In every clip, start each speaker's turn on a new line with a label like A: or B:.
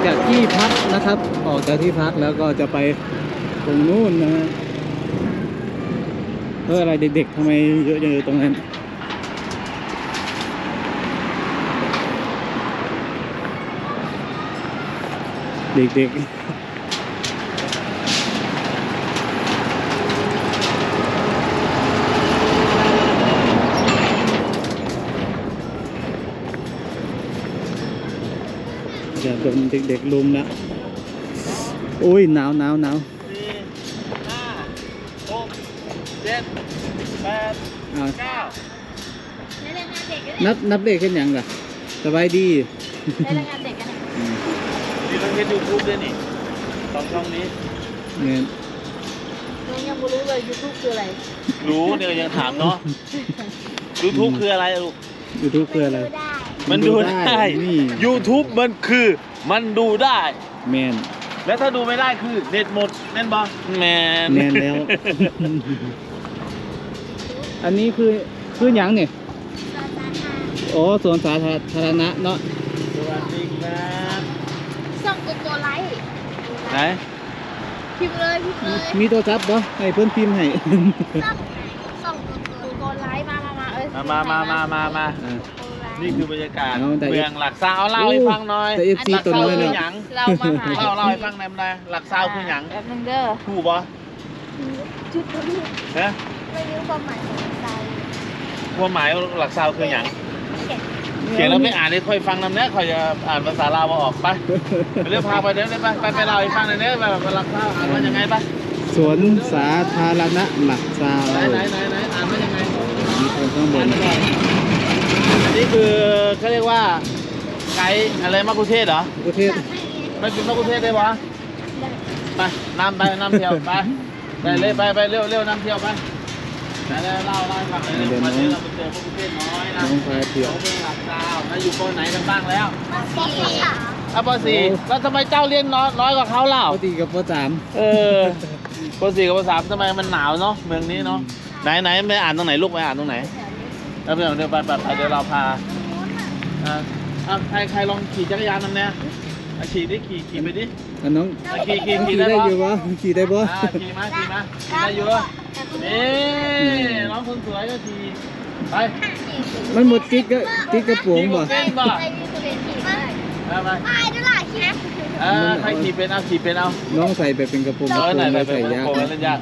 A: จากที่พักนะครับออกจากที่พักแล้วก็จะไปตรงนู้นนะฮะอะไรเด็กๆทำไมเยอะจังเลยตรงนั้นเด็กๆอย่าโดนเด็กๆลุมนะโอ้ยหนาว4 5 6 7 8 9นับเด็กขึ้นยังล่ะสบายดี
B: ได้รายงานเด็กกัน
C: นี่เราเห็นยูทูบด้วยนี่ช่องนี้
A: เนี่ย
B: น้องยังไม่รู้เลย YouTube คืออะไร
C: รู้เนี่ยยังถามเนาะ YouTube คืออะไรลูก
A: YouTube คืออะไร
C: มันดูได้
A: นี่
C: YouTube มันคือมันดูได้
A: แมน
C: แล้วถ้าดูไม่ได้คือเน็ตหมดแม่นบอแมน
A: แล้ว อันนี้คือหยังเนี่ยโอ้สวนสาธารณะเนาะ
C: สวัสดีครับ
B: ส่งโกโก้ไลท์
C: ไหน
B: พิมพ์เลย
A: มีตัวจับปะให้เพื่อนพิมพ์ให้
B: ส่งโกโก้ไลท์มา
C: มานี่คือบรรยากาศเมืองหลักซาวเล่าให้ฟังหน่อย
A: หลักซาว
C: คือหยัง
B: เรามาหา
C: เล่าให้ฟังหน่อยหลักซาวคือหยัง
B: แป๊บนึงเด้อ
C: ถูกปะ
B: ชุดนี้
C: ฮะ
B: ไม่รู้ความหมายของซาว
C: ความหมายหลักซาวคือหยังเขียนแล้วไม่อ่านเลยค่อยฟังนำเนี้ยค่อยจะอ่านภาษาลาวออกไปเดี๋ยวพาไปเดี๋ยวไปเล่าให้ฟังหน่อยเนี้ยแบบหลักซาวอ่านว่ายังไงปะ
A: สวนสาธารณะหลักซาว
C: ไหนอ่านว่ายังไง
A: มีคนข้างบน
C: อันนี้คือเขาเรียกว่าไกด์อะไรมะกุเทศเหรอ
A: กุเทศ
C: ไม่เป็นมะกุเทศได้ปะไปนำเที่ยวไปเลยไปเร็วนำเที่ยวไปแล้วเล่าให้ฟังเลยวันนี้เราไปเจอมะกุเทศน้อยนะ
A: น้องพายเที่ยว
C: เป็นหลักซาวแล้วอยู่ป.ไหนกันบ้างแล้ว
B: ป.4
C: ป.4แล้วทำไมเจ้าเรียนน้อยกว่าเขาเล่า
A: ป.4กับป.3
C: ป.4กับป.3ทำไมมันหนาวเนาะเมืองนี้เนาะไหนไม่อ่านตรงไหนลูกไปอ่านตรงไหนแล้วเดี๋ยวไปเดี๋ยวเราพาใครลองขี่จักรยานนั่นเนี่ยขี่ดิขี่ไปดิ
A: น้อง
C: ขี่
A: ได้อยู่ปะขี่ได้ปะ
C: ขี่มาได้อยู่นี่น้องคนสวยก็ขี่ไป
A: มันหมดติ๊กกระโปรงป่ะ
C: ไปใครขี่เป็นเอา
A: น้องใส่ไปเป็นกระโปรง
C: ใส่ยาก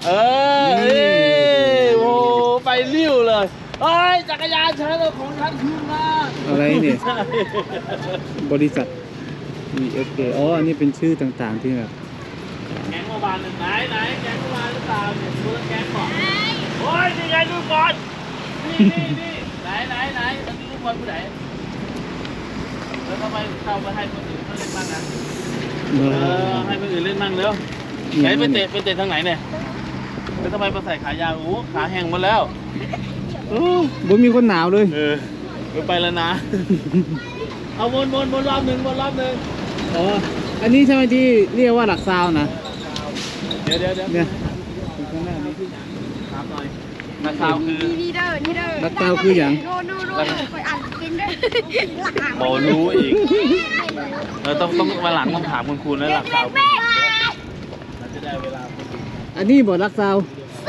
C: โอ้ไปเลี้ยวเลยเฮ้ยจักรยานฉันของฉันคืนมา
A: อะไรเนี่ยบริษัทESK อ๋ออันนี้เป็นชื่อต่างๆที่แบบ
C: แก๊งเมื่อวานไหนแก๊งเมื่อวานหรือเปล่าเนี่ยดูแก๊งก่อนโอ้ยนี่ไงดูก่อนนี่ไหนตอนนี้ดูบอลผู้ไหนแล้วทำไมเข้าไปให้คนอื่นเขาเล่นบ้างนะให้คนอื่นเล่นบ้างเร็วไหนไปเตะทางไหนเนี่ยแล้วทำไมมาใส่ขายาวโอ้ขาแห้งหมดแล้ว
A: บ่มีคนหนาวเลย
C: ไปแล้วนะเอาวนรอบหนึ่ง
A: อ๋ออันนี้ใช่ไหมที่เรียกว่าหลักซาวนะ
C: เดี๋ยว
A: เนี่ย
C: ข้างหน้านี้คือถามหน่อยหลักซาวคือ
B: นี่เด้อ
A: หลักซาวคืออย่าง
B: ดูไปอ่านกินด้วย
C: โมรู้อีกต้องมาหลังต้องถามคุณแล้วหลักซาวจะได้เวลา
A: อันนี้บอกหลักซาว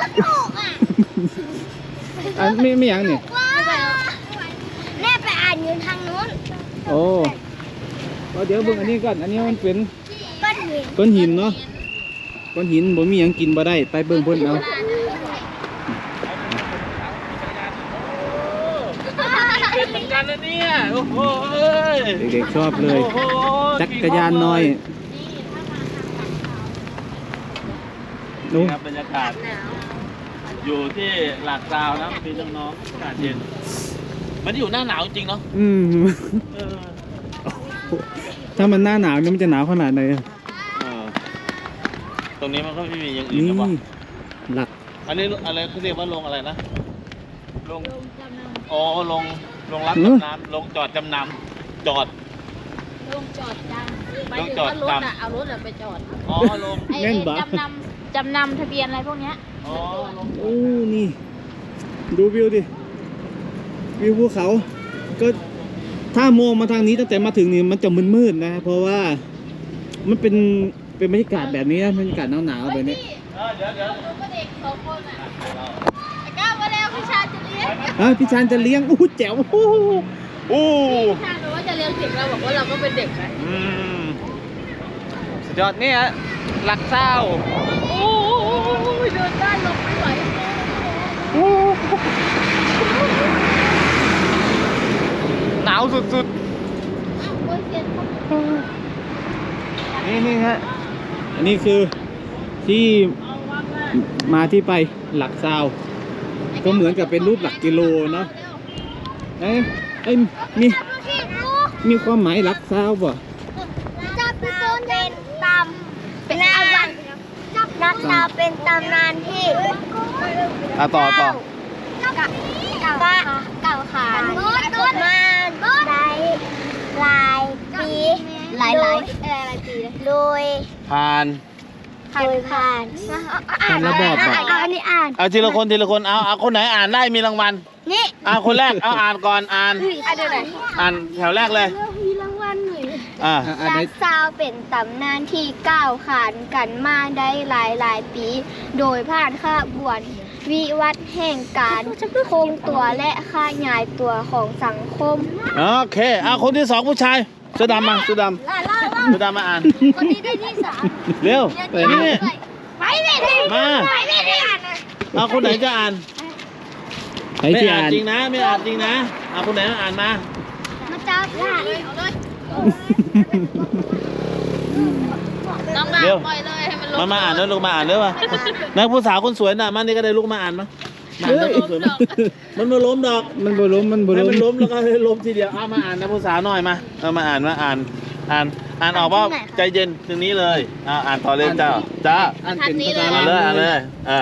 A: อันไม่อย่างเนี่ย
B: แม่ไปอ่านอยู่ทางนู้น
A: โอ้เดี๋ยวเบิ่งอันนี้ก่อนอันนี้มันเป็น
B: ก้อนหิน
A: เนาะก้อนหินบ่มีหยังกินบ่ได้ไปเบิ่งเพิ่นเอา
C: เป็นเหมือนกันนะเนี่ยโอ้โห
A: เด็กๆชอบเลยจักรยานน้อย
C: นี่ครับบรรยากาศอยู่ที่หลักซาวนะพี่น้องอากาศเย็นมันอยู่หน้าหนาวจริงเนาะ
A: ถ้ามันหน้าหนาวนี่มันจะหนาวขนาดไหน
C: ตรงนี้มันก็ไม่มีอย่างอื่นหรอวะ
A: หลัก
C: อันนี้อะไรเขาเรียกว่าลงอะไรนะลงอ๋อลงรับจำนำลงจอดจำนำจอด
B: ลงจอดจำเอารถไปจอด
C: อ๋อลง
B: จำนำทะเบียนอะไรพวกเนี้ย
C: อ๋อ
A: โอ้นี่ดูวิวดิวิวภูเขาก็ถ้ามองมาทางนี้ตั้งแต่มาถึงนี่มันจะมืดๆนะเพราะว่ามันเป็นบรรยากาศแบบนี้นะบรรยากาศหนาวๆแบบนี้
C: เดี๋ยว
B: ลูกก็เด็กสองคนอ่ะไอ้ก้าวมาแล้วพี่ชายจะเลี้ยง
A: พี่ชานจะเลี้ยงแจ๋วโอ้
B: พี่ชายบอกว่าจะเลี้ยงเด็กเราบอกว่าเราก็เป็นเด็กไง
A: สุดยอดนี่ฮะหลักเศร้า
B: โอ้ยเดินได้ลงไม่ไหว
A: หนาวสุด
B: อ้าวโอ้ยเสียนเขา
A: ๆนี่ฮะอันนี้คือที่มาที่ไปหลักเศร้าก็เหมือนกับเป็นรูปหลักกิโลเนาะมีความหมายหลักเศร้าป่ะ
D: จับเป็นตำเป็นอาวันนักดาวเป็นตำนานที่
A: ต่อ
D: เก่าขานมาได้หลายปีหลายปีโดย
C: ผ่าน
D: ผ่าน
A: ระบอบอ่ะ
D: อันนี้อ่าน
C: เอาทีละคนเอาคนไหนอ่านได้มีรางวัล
D: นี่
C: คนแรกเอาอ่านก่อนอ่าน
D: อันเดียวไหน
C: อ่านแถวแรกเลย
D: มีรางวัลหน่อย
A: อันไหน
D: รักซาวเป็นตำนานที่ก้าวขานกันมาได้หลายปี โดยผ่านขบวนวิวัฒน์แห่งการคงตัวและขยายตัวของสังคม
C: โอเคคนที่สองผู้ชายเสื้อดำมาเสื้อดำมาอ่าน
D: คนนี้ได้ที่สาม
C: เร็ว
A: ไป
C: นี่
A: นี่
D: ไปไม่ได้
C: มา
D: ไปไม่ได้อ่านนะ
C: คนไหนจะอ่าน
A: ใคร
C: ไม่
A: ที่
C: อ่า
A: อ่าน น
C: จริงนะไม่อ่านจริงนะคนไหนอ่านมา
D: มาจับเลยเอาเลย
B: น้องดาวปล่อยเลยให้มันลง
C: มาอ่านด้วยลูกมาอ่านด้วยป่ะนักผู้สาวคนสวยน่ะมันนี่ก็ได้ลูกมาอ่านมั้งมาอ่านได้คนสวยมั้ยมันมาล้มดอก
A: มันบ่ล้ม
C: ให้มันล้มแล้วก็ให้ล้มทีเดียวเอามาอ่านนะผู้สาวหน่อยมาเอามาอ่านออกว่าใจเย็นตรงนี้เลยอ่านต่อเลยจ้า
A: อ่านเป็นภาษา
C: อ่าน
A: ลาว
C: เลย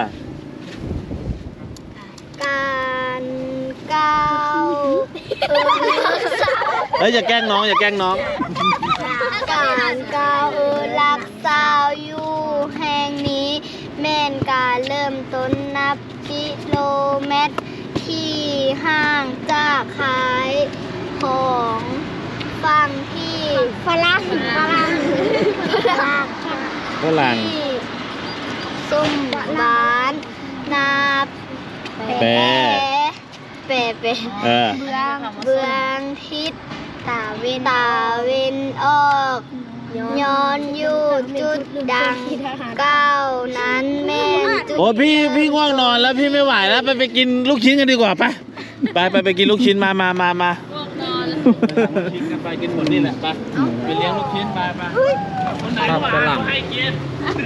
D: การก้าว
C: อย่าแกล้งน้องการ
D: ก้าวรักสาวอยู่แห่งนี้แม่นการเริ่มต้นนับกิโลเมตรที่ห่างจากขายของฝั่งที่ฝรั่งที่ส้มบ้านนาเบื้องทิศตาเวนออกย้อนอยู่จุดดังเก้านั้นแม่นจุด
C: โอ้พี่ง่วงนอนแล้วพี่ไม่ไหวแล้วไปกินลูกชิ้นกันดีกว่าไปกินลูกชิ้นมา
B: ง่วงนอน
C: กินกันไปกินหมดนี่แหละไปเลี้ยงลูกชิ้นไปคนไหนก็อ่านให้กิน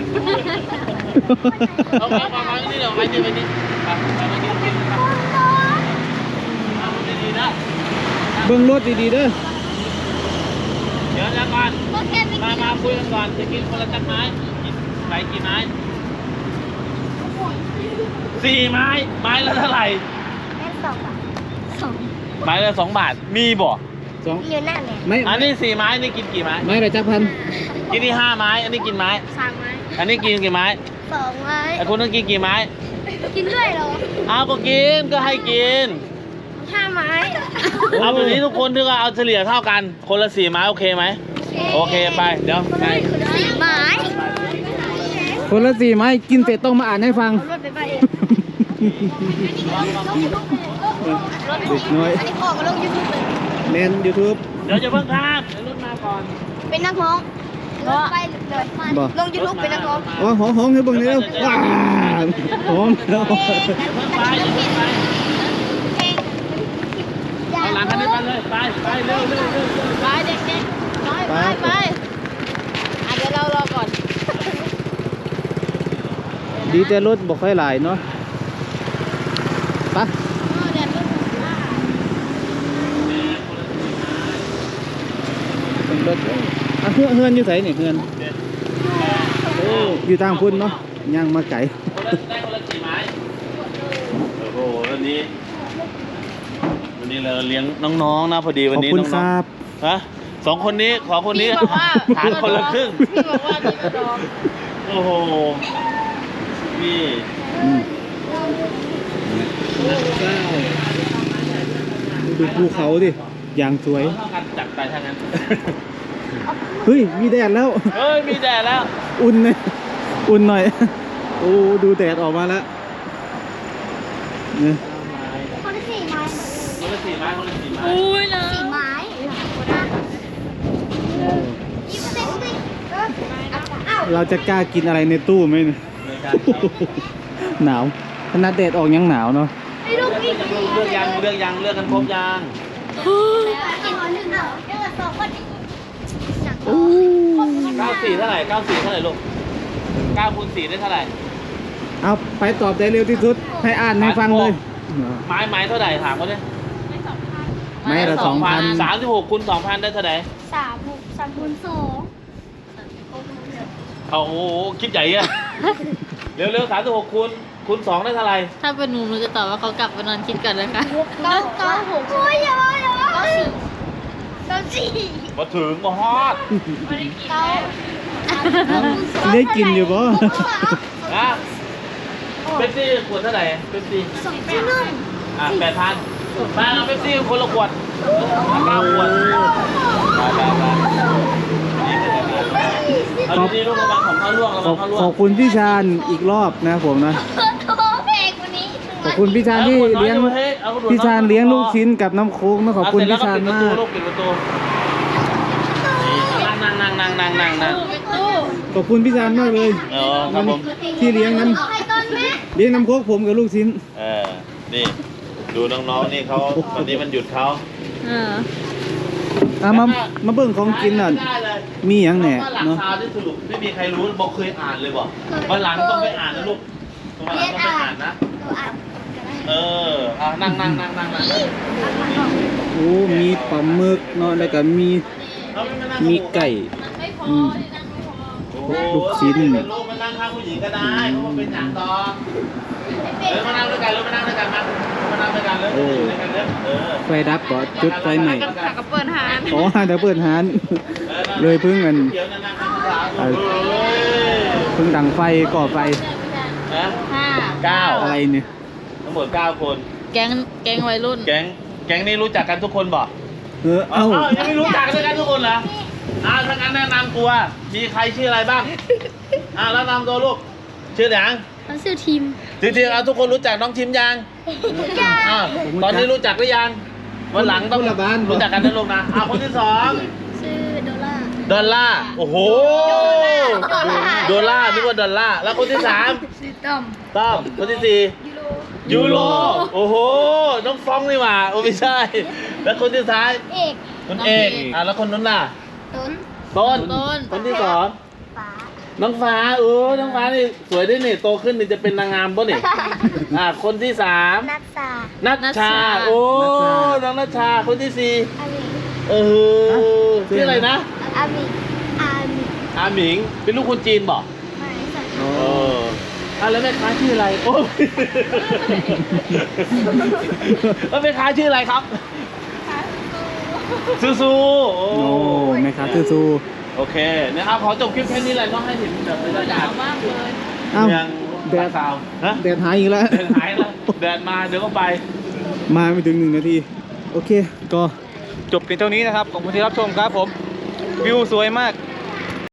C: เอามานี่เดี๋ยวไปนี่ไปกินดีนะ
A: เบิ่งรถดีๆเด้อ
C: เดี๋ยวก่อนมาคุยกันก่อนจะกินคนละจักไม้ไปกี่ไม้4 ไม้ละเท่าไหร่
D: แม่สอง
C: ไม้ละ2 บาทมีบ่
A: สอง
D: อยู่หน้าแม่
A: ไม่
C: อันนี้4 ไม้นี่กินกี่ไม้
A: ไม่ละจักพัน
C: กินที่5 ไม้อันนี้กินไม้
D: สามไม้
C: อันนี้กินกี่ไม้
D: สองไม้
C: ไอ้คุณต้องกินกี่ไม้
D: กินด้วยเหรอ
C: เอาก็กินก็ให้กิน
D: 5 ไม้
C: เอาแบบนี้ทุกคนที่ว่าเอาเฉลี่ยเท่ากันคนละ4 ไม้โอเคไหมโอเคไปเดี๋ยวไป
D: 4 ไม้
A: คนละ4 ไม้กินเสร็จต้องมาอ่านให้ฟัง
D: รถไปเอง
A: เด็กน้อย
D: อันนี้พ่อมาลงยูทูบเลย
A: เน้น YouTube
C: เดี๋ยวจะเพิ่งข้ามเดี๋ยวรถมาก่อน
D: เป็นนักร้องไปเลย
A: บ่
D: ลงยูทูบเป็นนักร้อง
A: อ๋อห้องให้เบิ่งหน่อยเร็วว้าห้องแล้ว
C: เดี๋ยวเพิ่งไปเอาหลังคันนี้ไปเลยไปเร็ว
B: ไปเด็กๆน้อยไปเดี๋ยวเรารอก่อน
A: ดีแต่รถบ่ค่อยหลายเนาะไป
B: เดี๋ยวรุ่นว่า
A: เป็นรถเฮือนอยู่ไสนี่เฮือนโอ้อยู่ทางพุ่นเนาะย่างมาไกล
C: คนละ4 ไม้โอ้โหวันนี้เราเลี้ยงน้องๆนะพอดีวัน
A: ขอบ
C: นี้
A: คุณ
C: น้อง
A: ครับ
C: ๆฮะ2 คนนี้ขอคนนี้
B: พี่บอกว่า
C: ทานคนละครึ่ง
B: พี่บอกว่าพี่กระดอง
C: โอ้โหพี่
A: ดูภูเขาดิอย่างสวย
C: เท่ากันจัดไปทางนั้น
A: เฮ้ยมีแดดแล้ว
C: เฮ้ยมีแดดแล้ว
A: อุ่นเลยอุ่นหน่อย โอ้ดูแดดออกมาแล้วเนี่ย
D: คนละ4 ไม้
C: คนละ4 ไม้คนละ4 ไม้
B: อุ้ยนะ
D: 4 ไม้ยิ้มเต็มสิอ้าว
A: เราจะกล้ากินอะไรในตู้ไหมเนี่ย
C: ไม่ใช่
A: หนาวขนาดแดดออกยังหนาวเนาะ
D: ให้ลูกอีก
C: เลือกยังเลือกยังเลือกกันครบยัง
D: กิน1เหรอเดี๋ยว2คน
A: โอ้
C: 94เท่าไหร่94เท่าไหร่ลูก9 คูณ 4ได้เท่าไหร่
A: เอาไปตอบได้เร็วที่สุด ให้อ่านให้ฟังเลย
C: ไม้เท่าไหร่ถามเขาดิ
A: ไม้ละ2,000
C: 36 คูณ 2,000ได้เท่าไหร่
D: 3 คูณ 2
C: เอาโอ้โหคิดใหญ่อะเร็วๆ36 คูณ 2ได้เท่าไหร่
B: ถ้าเป็นหนูจะตอบว่าเขากลับไปนอนคิดกันเลยค่ะ
D: 9 โอ้ยอย่า9
C: มาถึงมาฮอด
A: ได้กินอยู่ปะ
C: นะเป๊ปซี่ขวดเท่าไหร่เป๊ปซี่
D: 2 ที่นึ่ง
C: 8,000มาเอาเป๊ปซี่คนละขวด9 ขวดไปเอาดีๆลูกระวังของเขาล่วงระ
A: ข
C: วั
A: อง บ
C: เขาล่ว
A: ข
C: ง
A: อบคุณพี่ชาญอีกรอบนะผมนะ
D: โถเพลงวันนี้
A: ขอบคุณพี่ชาญที่เลี้ยงพี่ชาญเลี้ยงลูกชิ้นกับน้ำโค้กนะขอบคุณพี่ชาญมาก
C: ลูกปิดประตูนั่ง
A: ขอบคุณพี่ชาญมากเลย
C: ครับผม
A: ที่เลี้ยงน้
D: เอาใครตอนแม่
A: ำเลี้ยงน้ำโค้กผมกับลูกชิ้น
C: นี่ดูน้องๆนี่เขาวันนี้มันหยุดเขา
B: เออ
A: มาเบิ่งของกินน่ะ
C: ได้เลย
A: มีอย่างแหน่
C: หลัก
A: เนาะ
C: ข่าวที่สรุปไม่มีใครรู้บอกเคยอ่านเลยบอกวันหลังต้องไปอ่านนะลูกวันหลังต้องไปอ่านนะ
D: ตัวอ่าน
C: นั่ง
A: โอ้มีปลาหมึกเนาะแล้วก็มีไก่
B: ไม่พอ
A: อืม
B: ที่นั่งไม่พอ
A: ลูกชิ้น
C: เป็นลูกมานั่งข้างผู้หญิงก็ได้เพราะมันเป็นอย่างต่อมานั่งด้วยกันมานั่งด้วยกันเลยอยู่ด้วยกันเลย
A: ไฟดับก็จุดไฟใหม่
B: ขากระเปิดหาน
A: อ๋อเดี๋ยวเปิดร้าน เลยเพิ่งกัน
C: เดี๋ยวนั่งข้างผู้สาว
A: เพิ่งดังไฟก่อไฟ
C: นะ
B: 5
A: อะไรเนี่ย
C: ทั้งหมด9 คน
B: แก๊งวัยรุ่น
C: แก๊งนี้รู้จักกันทุกคนบอก
A: เอ้า
C: ยังไม่รู้จักกันทุกคนเหรอถ้างั้นแนะนำตัวมีใครชื่ออะไรบ้างแล้วนำตัวลูกชื่อหยัง
D: เขาชื่อทีม
C: จริงๆทุกคนรู้จักน้องชิมยังตอนนี้รู้จักหรือยังวันหลังต้องรู้จักกันนะลูกนะคนที่ 2
D: ชื่อโดล่า
C: ดอลล่าโอ้โหดอลล่านึกว่าดอลล่าแล้วคนที่ 3
D: ชื่อต้อม
C: ต้อมคนที่ 4ยูโรโอ้โหน้องฟองนี่หว่าโอ้ไม่ใช่ แล้วคนที่ท้าย
D: เอก
C: คนเอกแล้วคนนั้นล่ะ
D: ต้น
C: คนที่ 2
D: ฟ้า
C: น้องฟ้าน้องฟ้านี่สวยได้นี่โตขึ้นนี่จะเป็นนางงามป่ะนี่คนที่ 3
D: นัทสา
C: นัชชาโอ้น้องนัชชาคนที่
D: อามิ
C: 4ชื่ออะไรนะ
D: อามิอามิ
C: อาหมิงเป็นลูกคนจีนบอก
D: ไม่ใส่
C: แล้วแม่ค้าชื่ออะไรโอ้แล้วแม่ค้าชื่ออะไรครับซูซูโอ้
A: โอ้แม่ค้าซื่อซู
C: โอเคนะครับขอจบคลิปแค่นี้เลยต้องให้เห็นแบบบรรยากาศ
B: มากเลย
A: เอ้า
C: เมือง
A: แดด
C: สาวฮะ
A: แดดหายอีกแล้ว
C: แดดหายแล้วแดดมาเดี๋ยวก็ไป
A: มาไม่ถึง1 นาที โอเค ก็จบเพียงเท่านี้นะครับ ขอบคุณที่รับชมครับผม วิวสวยมาก